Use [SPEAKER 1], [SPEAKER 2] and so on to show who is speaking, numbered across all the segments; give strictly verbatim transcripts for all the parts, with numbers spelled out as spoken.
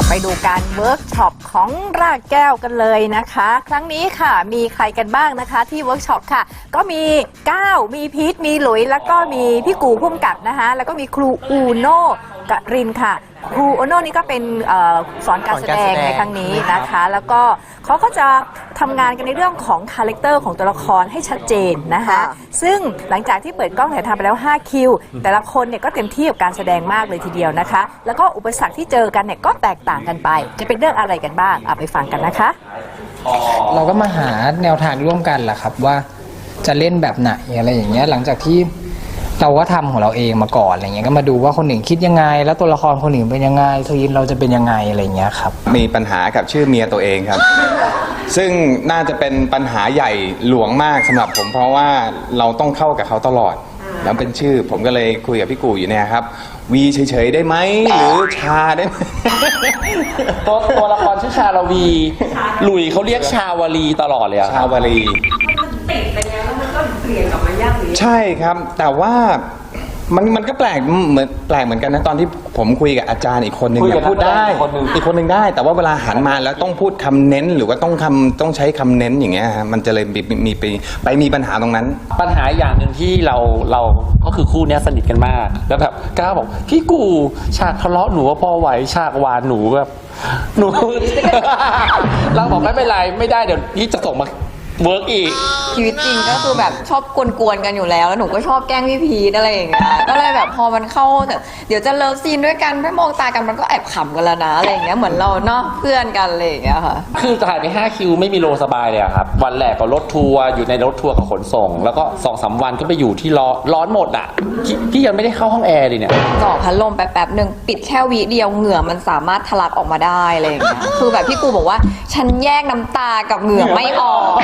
[SPEAKER 1] ไปดูการเวิร์กช็อปของรากแก้วกันเลยนะคะ ครั้งนี้ค่ะมีใครกันบ้างนะคะที่เวิร์กช็อปค่ะก็มีก้าวมีพีทมีหลุยแล้วก็มีพี่กูพุ่มกับนะคะแล้วก็มีครูอูโน่กรินค่ะครูอูโน่นี่ก็เป็นสอนการแสดงในครั้งนี้นะคะแล้วก็เขาก็จะทำงานกันในเรื่องของคาแรคเตอร์ของตัวละครให้ชัดเจนนะคะซึ่งหลังจากที่เปิดกล้องถ่ายทำไปแล้วห้าคิวแต่ละคนเนี่ยก็เต็มที่กับการแสดงมากเลยทีเดียวนะคะแล้วก็อุปสรรคที่เจอกันเนี่ยก็แตกต่างกันไปจะเป็นเรื่องอะไรกันบ้างเอาไปฟังกันนะคะ
[SPEAKER 2] เราก็มาหาแนวทางร่วมกันแหละครับว่าจะเล่นแบบไหนอะไรอย่างเงี้ยหลังจากที่เราก็ทำของเราเองมาก่อนอะไรเงี้ยก็มาดูว่าคนหนึ่งคิดยังไงแล้วตัวละครคนหนึ่งเป็นยังไงทีมเราจะเป็นยังไงอะไรเงี้ยครับ
[SPEAKER 3] มีปัญหากับชื่อเมียตัวเองครับ ซึ่งน่าจะเป็นปัญหาใหญ่หลวงมากสำหรับผมเพราะว่าเราต้องเข้ากับเขาตลอดแล้วเป็นชื่อผมก็เลยคุยกับพี่กูอยู่เนี่ยครับวีเฉยๆได้ไหมหรือชาได้ไหม
[SPEAKER 4] ตัวตัวละครชื่อชาลวีหลุยเขาเรียกชาวลีตลอดเลยอะ
[SPEAKER 3] ชาวลี
[SPEAKER 1] ติดไปแล้วแล้วมันก็เปลี่ยนกลับมายากหรือ
[SPEAKER 3] ใช่ครับแต่ว่ามันมันก็แปลกเหมือนแปลกเหมือนกันนะตอนที่ผมคุยกับอาจารย์อีกคนหนึ่งเนี่ยพูดได้อีกคนหนึ่งได้แต่ว่าเวลาหันมาแล้วต้องพูดคำเน้นหรือว่าต้องคำต้องใช้คำเน้นอย่างเงี้ยฮะมันจะเลยมีมีไปไปมีปัญหาตรงนั้น
[SPEAKER 4] ปัญหาอย่างหนึ่งที่เราเราก็คือคู่นี้สนิทกันมากแล้วแบบก้าวบอกพี่กูฉากทะเลาะหนูว่าพอไหวฉากหวานหนูแบบหนู เราบอกไม่เป็นไรไม่ได้เดี๋ยวพี่จะส่งมาเวิร์กอีก
[SPEAKER 5] ชีวิตจริงก็คือแบบชอบกวนๆกันอยู่แล้วแล้วหนูก็ชอบแกล้งพี่พีทอะไรอย่างเงี้ยก็เลยแบบพอมันเข้าแต่เดี๋ยวจะเลิฟซีนด้วยกันไม่มองตากันมันก็แอบขำกันแล้วนะอะไรอย่างเงี้ยเหมือนเราเนาะเพื่อนกันอะไรอย่างเงี้ยค่ะ
[SPEAKER 4] คือถ่ายไปห้าคิวไม่มีโลสบายเลยครับวันแรกก็รถทัวร์อยู่ในรถทัวร์กับขนส่งแล้วก็สองสามวันก็ไปอยู่ที่ร้อนร้อนหมดอ่ะพี่ยังไม่ได้เข้าห้องแอร์เลยเนี่ย
[SPEAKER 5] จ่อพัดลมแป๊บๆหนึ่งปิดแค่วิเดียวเหงื่อมันสามารถทะลักออกมาได้อะไรอย่างเงี้ยคือแบบพี่กูบอกว่าฉันแยกน้ำตากับเหงื่อไม่ออก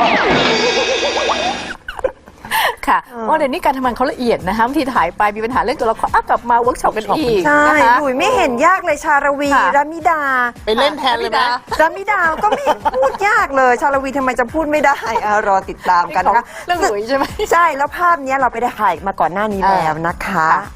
[SPEAKER 1] ค่ะว่าเดี๋ยวนี้การทำงานเขาละเอียดนะคะบางทีถ่ายไปมีปัญหาเรื่องตัวละครอ่ะกลับมาเวิร์กช็อปกันอีก
[SPEAKER 6] ใช่
[SPEAKER 1] นะคะ
[SPEAKER 6] หลุยไม่เห็นยากเลยชาลวีรามิดา
[SPEAKER 1] ไปเล่นแทนเลยนะ
[SPEAKER 6] รามิดาก็ไม่พูดยากเลยชาลวีทำไมจะพูดไม่ได้รอติดตามกันนะคะ
[SPEAKER 1] เรื่องหลุยใช่ไหม
[SPEAKER 6] ใช่แล้วภาพนี้เราไปได้ถ่ายมาก่อนหน้านี้แล้วนะคะ